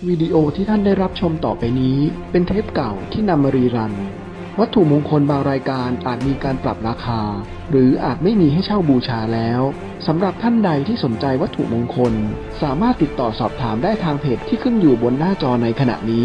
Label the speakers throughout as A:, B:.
A: วิดีโอที่ท่านได้รับชมต่อไปนี้เป็นเทปเก่าที่นำมารีรันวัตถุมงคลบางรายการอาจมีการปรับราคาหรืออาจไม่มีให้เช่าบูชาแล้วสำหรับท่านใดที่สนใจวัตถุมงคลสามารถติดต่อสอบถามได้ทางเพจที่ขึ้นอยู่บนหน้าจอในขณะนี้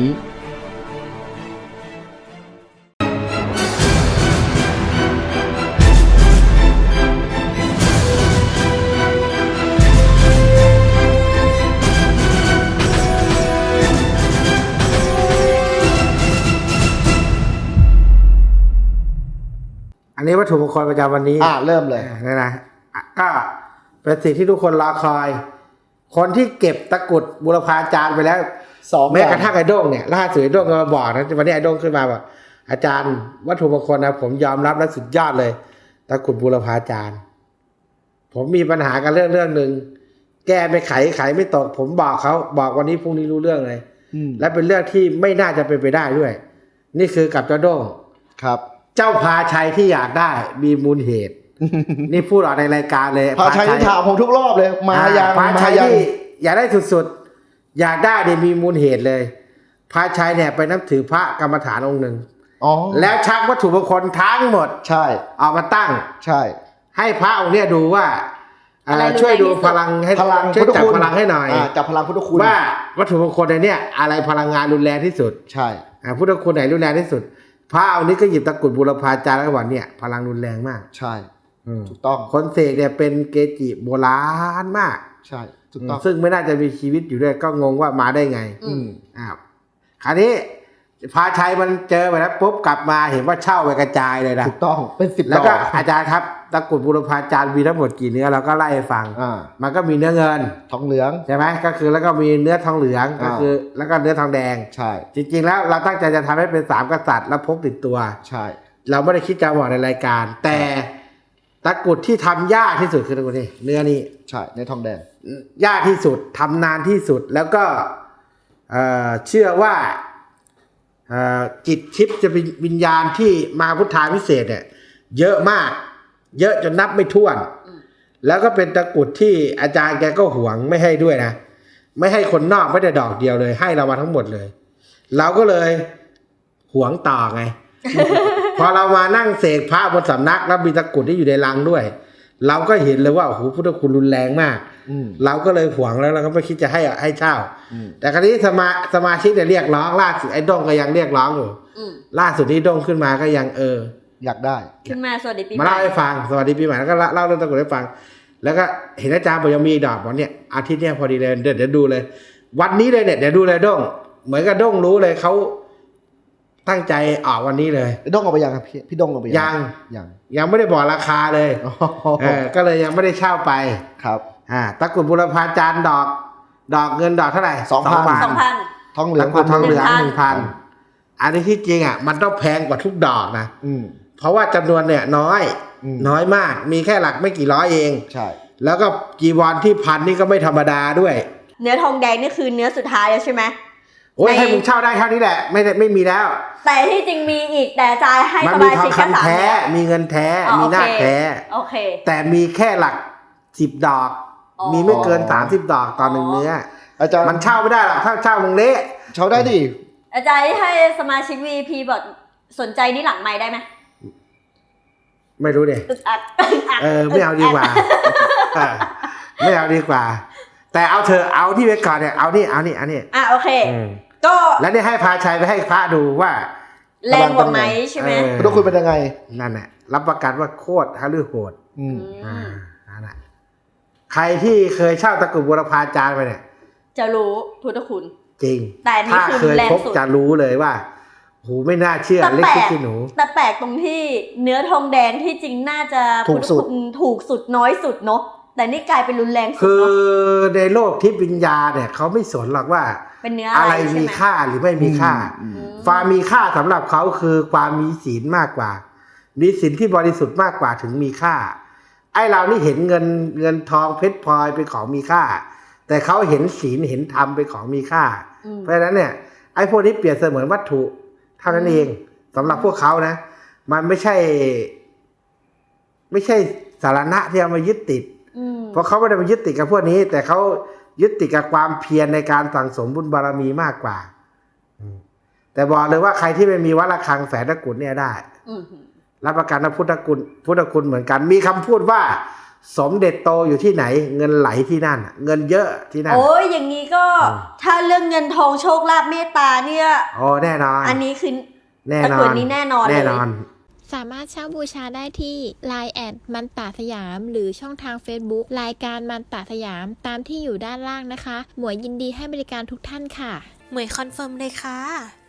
B: อันนี้วัตถุมงคลประจำวันนี้
C: เริ่มเลย
B: นะก็เป็นสิ่งที่ทุกคนรอคอย คนที่เก็บตะกุดบุรพาจารย์ไปแล้วแม้กระทั่งไอ้โด้งเนี่ยล่าสุดไอ้โด้งก็มาบอกนะวันนี้ไอ้โด้งขึ้นมาบอกอาจารย์วัตถุมงคลนะผมยอมรับและสุดยอดเลยตะกุดบุรพาจารย์ผมมีปัญหากันเรื่องหนึ่งแก้ไม่ไขไม่ตกผมบอกเขาบอกวันนี้พรุ่งนี้รู้เรื่องเลยและเป็นเรื่องที่ไม่น่าจะเป็นไปได้ด้วยนี่คือกับเจ้าโด้ง
C: ครับ
B: เจ้าพาชัยที่อยากได้มีมูลเหตุ นี่พูดออกในรายการเลย
C: พาชัยที่ถามผมทุกรอบเลยมายัง
B: พาชัยที่อยากได้สุดๆอยากได้เนี่ยมีมูลเหตุเลยพาชัยเนี่ยไปนับถือพระกรรมฐานองค์หนึ่งแล้วชักวัตถุมงคลทั้งหมด
C: ใช่
B: เอามาตั้ง
C: ใช่
B: ให้พระองค์เนี่ยดูว่าช่วยดูพลังให้ช่วยจับพลังให้หน่อย
C: จับพลังพุทธคุณ
B: ว่าวัตถุมงคลในเนี่ยอะไรพลังงานรุนแรงที่สุด
C: ใช่
B: พุทธคุณไหนรุนแรงที่สุดพระองค์นี้ก็หยิบตะกุดบุรพาจารย์แล้วบอกเนี่ยพลังรุนแรงมาก
C: ใช่ถูกต้อง
B: คนเสกเนี่ยเป็นเกจิโบราณมาก
C: ใช่ถูกต้อง
B: ซึ่งไม่น่าจะมีชีวิตอยู่ด้วยก็งงว่ามาได้ไงคราวนี้พาชัยมันเจอไปแล้วปุ๊บกลับมาเห็นว่าเช่าไปกระจายเลยนะ
C: ถูกต้องเป็น10
B: แล้วก็อาจารย์ครับตะกุดบุรพาจารย์มีทั้งหมดกี่เนื้อเราก็ไล่ให้ฟังมันก็มีเนื้อเงิน
C: ทองเหลือง
B: ใช่ไหมก็คือแล้วก็มีเนื้อทองเหลืองก็คือแล้วก็เนื้อทองแดง
C: ใช่
B: จริงๆแล้วเราตั้งใจจะทำให้เป็น3กษัตริย์แล้วพกติดตัว
C: ใช่
B: เราไม่ได้คิดจะบอกในรายการแต่ตะกุดที่ทำยากที่สุดคือตะกุดนี่เนื้อนี้
C: ใช่เนื้อทองแดง
B: ยากที่สุดทำนานที่สุดแล้วก็เชื่อว่าจิตทิพย์จะเป็นวิญญาณที่มาพุทธาพิเศษเนี่ยเยอะมากเยอะจนนับไม่ถ้วนแล้วก็เป็นตะกุดที่อาจารย์แกก็หวงไม่ให้ด้วยนะไม่ให้คนนอกไม่ได้ดอกเดียวเลยให้เรามาทั้งหมดเลยเราก็เลยหวงต่อไง พอเรามานั่งเสกพระบนสำนักแล้วมีตะกุดที่อยู่ในลังด้วยเราก็เห็นเลยว่าโอ้โหพุทธคุณรุนแรงมากเราก็เลยหวงแล้วเราก็ไม่คิดจะให้เช่าแต่คราวนี้สมาชิกเนี่ยเรียกร้องล่าสุดไอ้ด้งก็ยังเรียกร้องอยู่ล่าสุดที่ด้งขึ้นมาก็ยัง
C: อยากได้
D: ขึ้นมาสวัสดีปีใหม่
B: มาเล่าให้ฟังสวัสดีปีใหม่แล้วก็เล่าเรื่องตะกุดให้ฟังแล้วก็เห็นอาจารย์บอกยังมีดอกบอกเนี่ยอาทิตย์เนี่ยพอดีเลยเดี๋ยวดูเลยวันนี้เลยเนี่ยเดี๋ยวดูเลยด้งเหมือนกับด้งรู้เลยเขาตั้งใจออกวันนี้เลย
C: ด้งออกไปยังครับพี่ด้งออกไป
B: ยังไม่ได้บอกราคาเลยก็เลยยังไม่ได้เช่าไป
C: ครับ
B: ตะกุดบุรพาจารย์ดอกเงินดอกเท่าไหร่
C: 2,000 ทองเหลือง
B: 1,000อันนี้ที่จริงมันต้องแพงกว่าทุกดอกนะเพราะว่าจำนวนเนี่ยน้อยมากมีแค่หลักไม่กี่ร้อยเอง
C: ใช่
B: แล้วก็จีวรที่พันนี่ก็ไม่ธรรมดาด้วย
D: เนื้อทองแดงนี่คือเนื้อสุดท้ายแล้วใช่ไหม
B: โอ้ยให้มึงเช่าได้เท่านี้แหละไม่มีแล้ว
D: แต่ที่จริงมีอีกแต่จ่ายให้สมาชิกแค่3
B: แท้มีเงินแท้มีหน้าแท้แต่มีแค่หลัก10 ดอกมีไม่เกิน30 ดอกต่อ1เนื้อ
C: อาจารย์
B: มันเช่าไม่ได้หรอกถ้าเช่ามึงเละ
C: เช่าได้ดิ
D: อาจารย์ให้สมาชิก VIP บอกสนใจนี่หลังไมค์ได้ไหม
B: ไม่รู้ดิไม่เอาดีกว่าไม่เอาดีกว่าแต่เอาเธอเอาที่ไว้ก่อนเนี่ยเอานี่
D: โอเคก็
B: แล้วนี่ให้พาชัยไปให้พระดูว่า
D: แรงกว่าไหมใช่ไหม
C: พุทธคุณเป็นยังไง
B: นั่นแหละรับประกันว่าโคตรฮะลือโหดนั่นแหละใครที่เคยเช่าตะกุดบุรพาจารย์ไปเนี่ย
D: จะรู้พุทธคุณ
B: จริง
D: แต่นี่คือ
B: เคยพบจะรู้เลยว่าโหไม่น่าเชื่อเล็กที่หนู
D: แต่แปลกตรงที่เนื้อทองแดงที่จริงน่าจะ
C: ถูก
D: สุดน้อยสุดเนาะแต่นี่กลายเป็นรุนแรงสุด
B: คือในโลกทิพย์วิญญาณเนี่ยเขาไม่สนหรอกว่า
D: เป็นเนื้อ
B: อะไรมีค่าหรือไม่มีค่าความมีค่าสำหรับเขาคือความมีศีลมากกว่ามีศีลที่บริสุทธิ์มากกว่าถึงมีค่าไอ้เรานี่เห็นเงินทองเพชรพลอยเป็นของมีค่าแต่เขาเห็นศีลเห็นธรรมเป็นของมีค่าเพราะฉะนั้นเนี่ยไอ้พวกนี้เปรียบเสมือนวัตถุเท่านั้นเองสำหรับพวกเขานะมันไม่ใช่สาระที่เอามายึดติดเพราะเขาไม่ได้มายึดติดกับพวกนี้แต่เขายึดติดกับความเพียรในการสั่งสมบุญบารมีมากกว่าแต่บอกเลยว่าใครที่ไม่มีวัดระฆังแฝดตะกรุดเนี่ยได้รับประกันว่าพุทธคุณเหมือนกันมีคำพูดว่าสมเด็จโตอยู่ที่ไหนเงินไหลที่นั่นเงินเยอะที่นั่น
D: โอ้ยอย่างนี้ก็ถ้าเรื่องเงินทองโชคลาภเมตตาเนี่ย
B: โอ้แน่นอน
D: อันนี้คือ
B: แน่นอน
D: ตะกรุดนี้แน่นอนเลย
B: แน่นอน
E: สามารถเช่าบูชาได้ที่ Line แอดมันตาสยามหรือช่องทาง Facebook รายการมันตาสยามตามที่อยู่ด้านล่างนะคะหมวยยินดีให้บริการทุกท่านค่ะ
F: หมวยคอนเฟิร์มเลยค่ะ